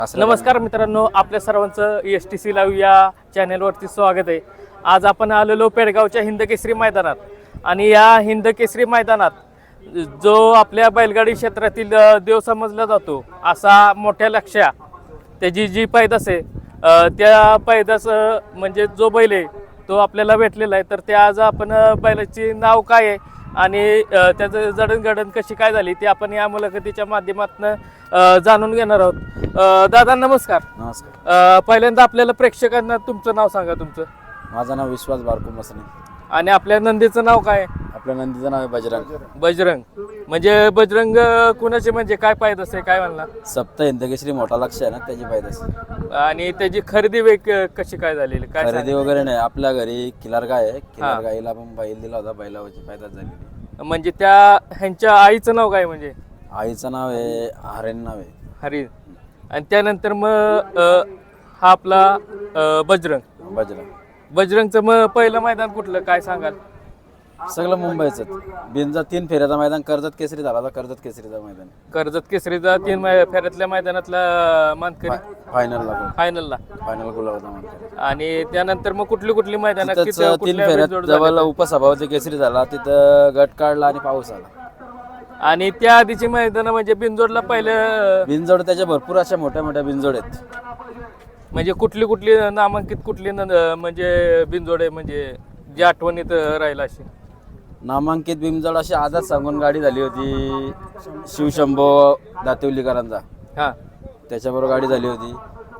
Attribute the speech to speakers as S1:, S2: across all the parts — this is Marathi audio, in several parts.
S1: नमस्कार मित्रांनो, आपल्या सर्वांचं STC लाईव्ह या चॅनेलवरती स्वागत आहे. आज आपण आलेलो पेडगावच्या हिंदकेसरी मैदानात आणि या हिंदकेसरी मैदानात जो आपल्या बैलगाडी क्षेत्रातील देव समजला जातो असा मोठ्या लक्ष्या त्याची जी पैदास आहे त्या पैदास म्हणजे जो बैल आहे तो आपल्याला भेटलेला आहे. तर ते आज आपण बैलाची नाव काय आहे आणि त्याचं जडणघडण कशी काय झाली ते आपण या मुलाखतीच्या माध्यमातून जाणून घेणार आहोत. दादा नमस्कार.
S2: नमस्कार.
S1: पहिल्यांदा आपल्याला प्रेक्षकांना तुमचं नाव सांगा. तुमचं?
S2: माझं नाव विश्वास बारको मसने.
S1: आणि आपल्या नंदीचं नाव काय?
S2: आपल्या नंदीचं नाव आहे बजरंग.
S1: बजरंग म्हणजे बजरंग कुणाचे म्हणजे काय पाहिजे असे काय म्हणला?
S2: सप्त हिंदकेसरी मोठा लक्ष आहे ना त्याची पायदास.
S1: आणि त्याची खरेदी कशी काय झालेली काय
S2: खरेदी वगैरे नाही, आपल्या घरी किलार गाय आहे. किलार गाईला पण बैल दिला होता, बैलावरची पायदास झालेली.
S1: म्हणजे त्या ह्यांच्या आईचं नाव काय? म्हणजे
S2: आईचं नाव आहे हरेन नाव आहे.
S1: हरी. आणि त्यानंतर मग हा आपला बजरंग. बजरंगचं मग पहिलं मैदान कुठलं काय सांगाल?
S2: सगळं मुंबईच. बिनजा 3 फेऱ्याचा मैदान कर्जत केसरी झाला. कर्जत केसरीचा मैदान.
S1: कर्जत केसरीचा 3 फेऱ्यातल्या मैदानातला मानकरी फायनलला
S2: गुलाब होता मानकरी.
S1: आणि त्यानंतर मग कुठली मैदान?
S2: 3 फेऱ्यात जवळ उपसभापती केसरी झाला, तिथं गट काढला आणि पाऊस आला.
S1: आणि त्या आधीची मैदान म्हणजे बिनजोडला पहिलं
S2: बिनजोड त्याच्या भरपूर अशा मोठ्या मोठ्या बिनजोड आहेत.
S1: म्हणजे कुठली नामांकित म्हणजे बिनजोड आहे म्हणजे जी आठवणीत राहिला अशी
S2: नामांकित बिनजोड अशी आजच सांगून गाडी झाली होती शिवशंभो दातिवलीकरांचा.
S1: हा,
S2: त्याच्याबरोबर गाडी झाली होती.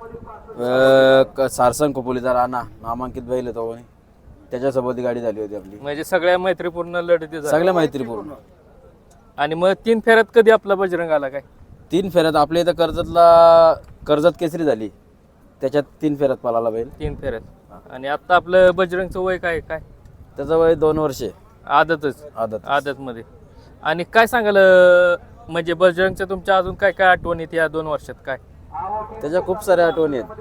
S2: सारसंग खोपोलीचा राणा नामांकित बैल होतो, त्याच्यासोबत गाडी झाली होती आपली.
S1: म्हणजे सगळ्या मैत्रीपूर्ण लढती झाल्या.
S2: सगळ्या मैत्रीपूर्ण.
S1: आणि मग 3 फेऱ्यात कधी आपला बजरंग आला काय?
S2: 3 फेऱ्यात आपल्या इथं कर्जत केसरी झाली, त्याच्यात 3 फेऱ्यात पळाला बैल.
S1: 3 फेऱ्यात. आणि आता आपलं बजरंगचं वय काय?
S2: त्याचं वय 2 वर्षे.
S1: आदत मध्ये. आणि काय सांगाल म्हणजे बजरंगच्या तुमच्या अजून काय काय आठवणीत या 2 वर्षात काय?
S2: त्याच्या खूप साऱ्या आठवणी आहेत.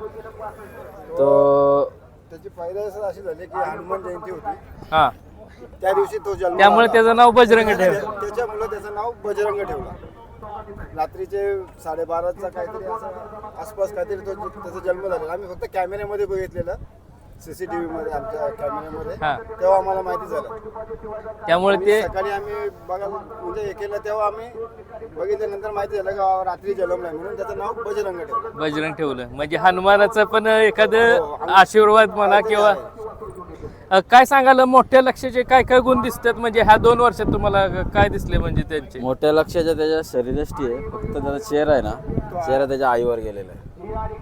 S3: त्याची पैदास अशी झाली की हनुमान जयंती होती.
S1: हा,
S3: त्या दिवशी तो जन्म,
S1: त्यामुळे त्याचं नाव बजरंग ठेवलं.
S3: त्याच्यामुळे त्याचं नाव बजरंग ठेवला. रात्रीचे 12:30चा काहीतरी असं आसपास काहीतरी त्याचा जन्म झालेला. आम्ही फक्त कॅमेऱ्यामध्ये बघितलेलं, CCTV मध्ये आमच्या कॅमेऱ्यामध्ये. तेव्हा आम्हाला माहिती झालं.
S1: त्यामुळे ते
S3: सकाळी आम्ही बघायला म्हणजे हे केलं तेव्हा आम्ही बघितल्यानंतर माहिती झालं की रात्री जन्मलाय म्हणून त्याचं नाव बजरंग ठेवलं.
S1: म्हणजे हनुमानाचं पण एखादं आशीर्वाद म्हणा किंवा काय सांगाल मोठ्या लक्ष्याचे काय काय गुण दिसतात म्हणजे ह्या 2 वर्षात तुम्हाला काय दिसले म्हणजे त्यांचे?
S2: मोठ्या लक्ष्याच्या त्याच्या शरीरष्टी आहे, फक्त त्याचा चेहरा आहे ना, चेहरा त्याच्या आईवर गेलेला आहे.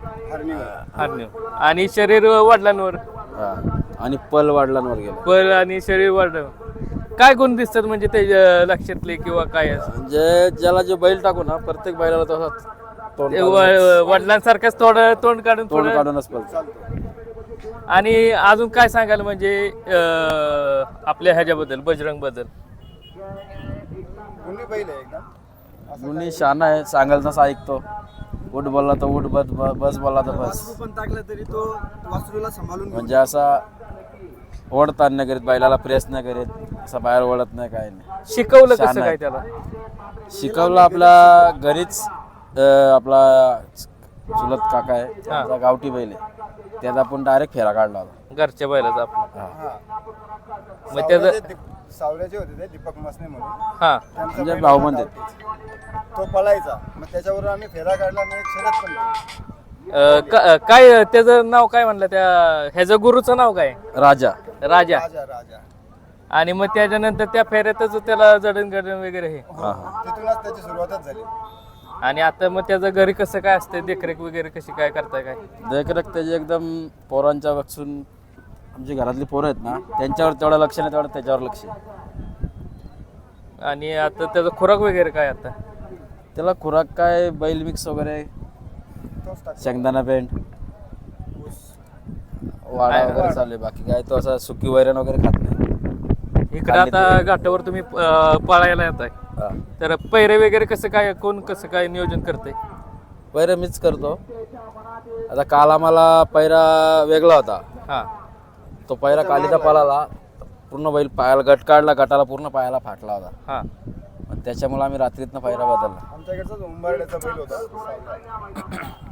S1: आणि शरीर वडिलांवर
S2: आणि पल वडिलांवर गेला.
S1: पल आणि शरीर वडिलांवर काय गुण दिसतात म्हणजे त्याच्या लक्षातले किंवा काय?
S2: म्हणजे ज्याला जो बैल टाकू ना प्रत्येक बैलाला तसाच
S1: वडिलांसारखंच तोंड काढूनच
S2: पळतो.
S1: आणि अजून काय सांगाल म्हणजे आपल्या ह्याच्याबद्दल बजरंग बद्दल?
S2: मुनी शान आहे, सांगाल तसा ऐकतो. उठ बोलला तर उठ, बस बोलला तर बस.
S3: पण टाकलं तरी तो वासरूला सांभाळून
S2: म्हणजे असा ओढताना नाही करीत, बैलाला प्रेस नाही करीत, असा बाहेर ओढत नाही, काय नाही.
S1: शिकवलं कसं काय त्याला?
S2: शिकवलं आपल्या घरीच. आपला चुलत काका आहे, त्याचा गावठी बैल आहे, त्याचा आपण डायरेक्ट फेरा काढला होता
S1: घरच्या बैलाचा आपला.
S3: मग त्याचं सावल्याचे होते ते दीपक मसने म्हणून.
S1: हा,
S2: म्हणजे भाऊ म्हणते
S3: तो पळायचा. मग त्याच्यावर आम्ही फेरा काढला आणि एक शर्यत पण केली.
S1: काय त्याचं नाव काय म्हणलं त्या ह्याचं गुरुचं नाव काय?
S2: राजा.
S1: राजा. आणि मग त्याच्यानंतर त्या फेऱ्यातच त्याला जडणघडण वगैरे हे
S3: तिथूनच त्याची सुरुवातच झाली.
S1: आणि आता मग त्याचं घरी कसं काय असतं, देखरेख वगैरे कशी काय करताय काय?
S2: देखरेख त्याची एकदम पोरांच्या पासून, आमची घरातली पोरं आहेत ना त्यांच्यावर तेवढं लक्ष नाही, तेवढं त्याच्यावर लक्ष.
S1: आणि आता त्याचा खुराक वगैरे काय? आता
S2: त्याला खुराक काय बैल मिक्स वगैरे, शेंगदाणा पेंट, वाडा वगैरे चालू आहे. बाकी काय तो असं सुकी वैरण वगैरे खात नाही.
S1: इकडे आता घाटावर तुम्ही पळायला येत आहे, तर पैरे वगैरे कसं काय नियोजन करते?
S2: पैरा मीच करतो. आता काल आम्हाला पैरा वेगळा होता.
S1: हा,
S2: तो पैरा कालीचा पळाला, पूर्ण बैल पायाला गट काढला, गटाला पूर्ण पायाला फाटला होता.
S1: हा,
S2: त्याच्यामुळे आम्ही रात्रीतनं पैरा बदलला.
S3: आमच्याकडचा उंबरड्याचा बैल होता.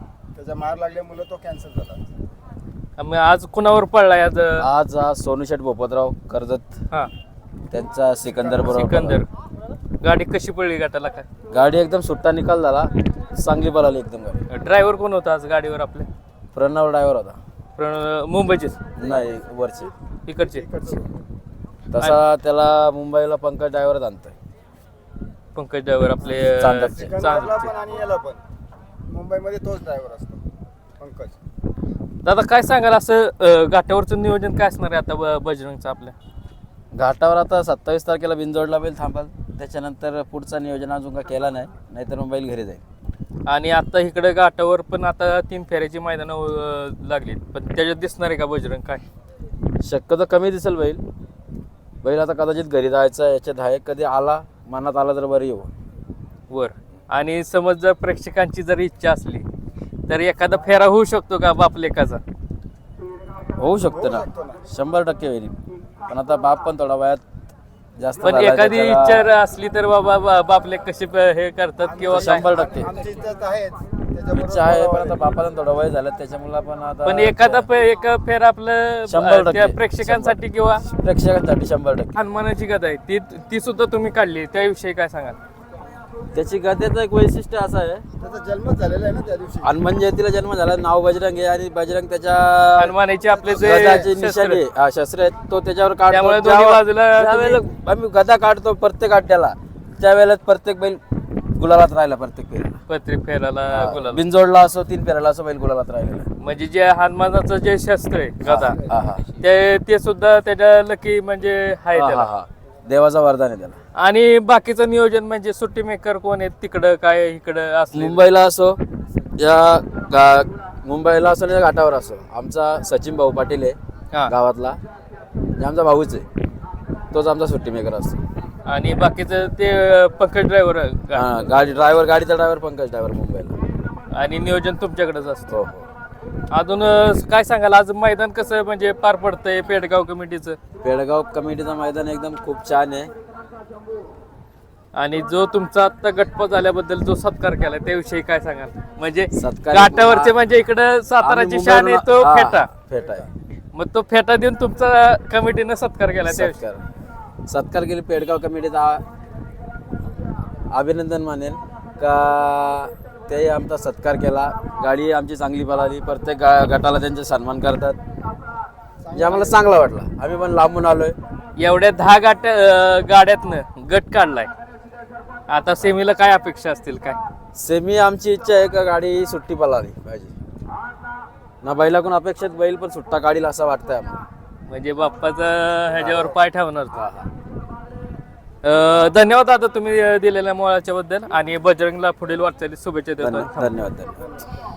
S3: त्याचा मार लागल्यामुळे तो कॅन्सल झाला.
S1: मग आज कुणावर पडलाय आज?
S2: आज सोनूशेठ भोपतराव कर्जत
S1: हा,
S2: त्यांचा सिकंदर बरोबर
S1: सिकंदर. गाडी कशी पडली गटाला काय?
S2: गाडी एकदम सुट्टा निकाल झाला, चांगली पळाली एकदम गाडी.
S1: ड्रायव्हर कोण होता आज गाडीवर आपल्या?
S2: प्रणव ड्रायव्हर होता.
S1: मुंबईचेच
S2: नाही वरचे.
S1: इकडचे?
S2: तसा त्याला मुंबईला पंकज ड्रायव्हर आणतोय.
S1: पंकज ड्रायव्हर आपले
S2: चांदकचे.
S3: सिकंदरला पण आणि याला पण मुंबईमध्ये तोच ड्रायव्हर असतो पंकज.
S1: दादा काय सांगाल असं घाटावरचं नियोजन काय असणार आहे आता बजरंगचं आपल्या?
S2: घाटावर आता 27 तारखेला बिनजोडला बैल थांबाल, त्याच्यानंतर पुढचा नियोजन अजून का केला नाही, नाहीतर मग बैल घरी जाईल.
S1: आणि आता इकडे घाटावर पण आता 3 फेऱ्याची मैदानं लागली, पण त्याच्यात दिसणार आहे का बजरंग काय?
S2: शक्यतो कमी दिसेल बैल. बैल आता कदाचित घरी जायचा याच्यात आहे, कधी आला मनात आला तर बरं येऊ
S1: वर. आणि समज जर प्रेक्षकांची जर इच्छा असली तर एखादा फेरा होऊ शकतो का बापलेकाचा?
S2: होऊ शकतं ना, 100% होईल. पण आता बाप पण थोडा वयात जास्त
S1: पण
S2: झालाय,
S1: एखादी
S2: त्याला
S1: इच्छा असली तर बाबा बापले कसे हे करतात किंवा काय?
S2: 100%
S3: आमची इज्जत आहे
S2: इच्छा आहे, पण आता बापाला थोडं वय झालं त्याच्यामुळे पण आता
S1: पण एखादा एक फेरा आपलं
S2: 100%
S1: त्या प्रेक्षकांसाठी किंवा
S2: प्रेक्षकांसाठी 100%.
S1: हनुमानाची कथा आहे ती सुद्धा तुम्ही काढली, त्याविषयी काय सांगाल?
S2: त्याची गद्याचं एक वैशिष्ट्य असं आहे,
S3: त्याचा जन्मच झालेला आहे ना त्या दिवशी.
S2: हनुमान जयंतीला जन्म झाला, नाव बजरंग आहे आणि बजरंग त्याच्या
S1: हनुमानाचे आपले जे
S2: गदाची
S1: शस्त्र.
S2: निशाणी शस्त्र आहेत तो त्याच्यावर
S1: त्यामुळे
S2: काढतो.
S1: दोन्ही बाजूला
S2: ज्यावेळेला आम्ही गदा काढतो प्रत्येक अड्ड्याला, त्यावेळेला प्रत्येक बैल गुलालात राहिला, प्रत्येक फेऱ्याला.
S1: प्रत्येक फेराला गुलाल.
S2: बिनजोडला असो 3 फेऱ्याला असो बैल गुलालात राहिलेला.
S1: म्हणजे जे हनुमानाचं जे शस्त्र आहे गदा,
S2: हा हा
S1: ते सुद्धा त्याच्या लकी म्हणजे आहे
S2: हा
S1: त्याला.
S2: हा देवाचा वरदान आहे त्याला.
S1: आणि बाकीचं नियोजन म्हणजे सुट्टी मेकर कोण आहेत तिकडं काय इकडं असले?
S2: मुंबईला असो मुंबईला असो या घाटावर असो, आमचा सचिन भाऊ पाटील आहे
S1: हा.
S2: गावातला, जे आमचा भाऊच आहे, तोच आमचा सुट्टी मेकर असतो.
S1: आणि बाकीचं ते पंकज ड्रायव्हर
S2: गाडीचा ड्रायव्हर पंकज ड्रायव्हर मुंबईला.
S1: आणि नियोजन तुमच्याकडेच असतं.
S2: हो हो.
S1: अजून काय सांगाल आज मैदान कसं म्हणजे पार पडतंय पेडगाव कमिटीचं?
S2: पेडगाव कमिटीचं मैदान एकदम खूप छान आहे.
S1: आणि जो तुमचा आता गटपास झाल्याबद्दल जो सत्कार केला त्याविषयी काय सांगाल? म्हणजे
S2: सत्कार-
S1: घाटावरचे म्हणजे इकडं साताराची
S2: आम्ही
S1: शान आहे तो
S2: मुंबईवरून-
S1: फेटा.
S2: फेटा आहे.
S1: मग तो फेटा देऊन तुमचा कमिटीनं सत्कार केला त्याविषयी
S2: सत्कार केली पेडगाव कमिटीचा अभिनंदन मानेल का ते आमचा सत्कार केला. गाडी आमची चांगली पळाली, प्रत्येक गटाला त्यांचे सन्मान करतात, म्हणजे आम्हाला चांगला वाटला. आम्ही पण लांबून आलोय.
S1: एवढ्या 10 गाड्यातनं गट काढलाय, आता सेमीला काय अपेक्षा असतील काय?
S2: सेमी आमची इच्छा आहे का गाडी सुट्टी पळाली पाहिजे ना, बैलाकडून अपेक्षित बैल पण सुट्टा काढील असं वाटतंय आम्हाला.
S1: म्हणजे बाप्पाचा ह्याच्यावर पाय ठेवणार तो. धन्यवाद आता तुम्ही दिलेल्या मोळाच्या बद्दल आणि बजरंगला पुढील वाटचाली शुभेच्छा देतो.
S2: धन्यवाद.